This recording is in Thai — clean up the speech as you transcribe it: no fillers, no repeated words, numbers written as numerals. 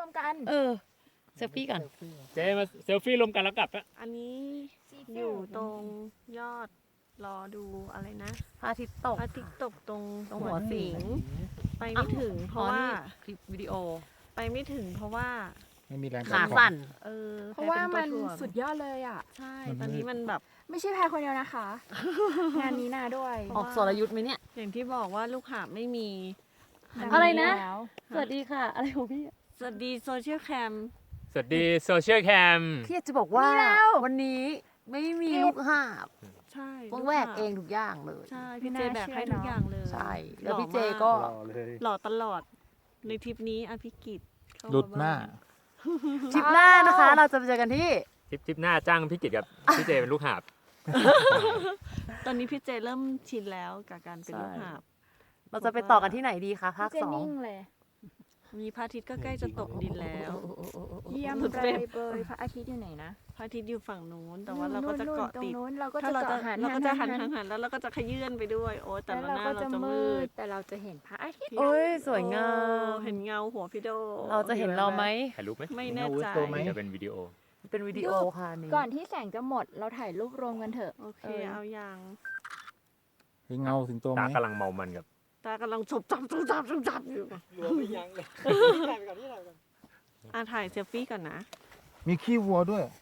มกันเซลฟี่ก่อนเจมาเซลฟี่รวมกันแล้วกลับอะอันนี้อยู่ตรงยอดรอดูอะไรนะพระอาทิตย์ตกพระอาทิตย์ตกตรงตรงหัหัววสิสิงงไปไม่ถึง เพราะว่าคลิปวิดีโอไปไม่ถึงเพราะว่าไม่มีแรงขาสั่นเพราะว่ามันแพ้เป็ตัวถ่สุดยอดเลยอ่ะใช่ ตอนนี้มันแบบไม่ใช่แพรคนเดียวนะคะ งานนี้นาด้วยออกสรยุทธ์ไหมเนี่ยอย่างที่บอกว่าลูกหาบไม่มีอะไรนะแล้วสวัสดีค่ะ อะไรของพี่สวัสดีโซเชียลแคมสวัสดีโซเชียลแคมพี่อยากจะบอกว่าวันนี้ไม่มีลูกหาบใช่ต้องแหวกเองทุกอย่างเลยใช่ พี่เจแบกให้ทุกอย่างเลยใช่ แล้วพี่เจก็รอเลยหล่อตลอด ในทริปนี้อภิกิจเข้ามาหลุดหน้าทริปหน้านะคะ เราจะไปเจอกันที่ทริปหน้าจ้างพี่กิตกับพี่เจเป็นลูกหาบตอนนี้พี่เจเริ่มชินแล้วกับการเป็นลูกหาบเราจะไปต่อกันที่ไหนดีคะภาคเจสองนิ่งเลยมีพระอาทิตย์ก็ใกล้จะตกดินแล้วเยี่ยมหลุดเลเฟรยมเบยพระอาทิตย์อยู่ไหนนะพระอาทิตย์อยู่ฝั่งนู้น แต่ว่าเราก็จะเกาะติดตรงนู้นเราก็ถ้าจะเราจะเกาะหันเราก็จะหันหันหันแล้วเราก็จะขยื่นไปด้วย โอ้แต่แล้วละเราหน้าก็เราจะจะมืมืดดแต่เราจะเห็นพระอาทิตย์โอ้ยสวยงามเห็นเงาหัวพี่โดเราจะเห็นเราไหมถ่ายรูปไหมไม่แน่ใจตัวไหมจะเป็นวิดีโอเป็นวิดีโอค่ะนี่ก่อนที่แสงจะหมดเราถ่ายรูปรวมกันเถอะโอเคเอาอย่างเห็นเงาถึงตัวไหมตากำลังเมามันกับตากำลังฉบจับอยู่หลวมไม่ยั้งเลยถ่ายไปก่อนที่ถ่ายไปก่อนถ่ายเซลฟี่ก่อนนะมีขี้วัวด้วย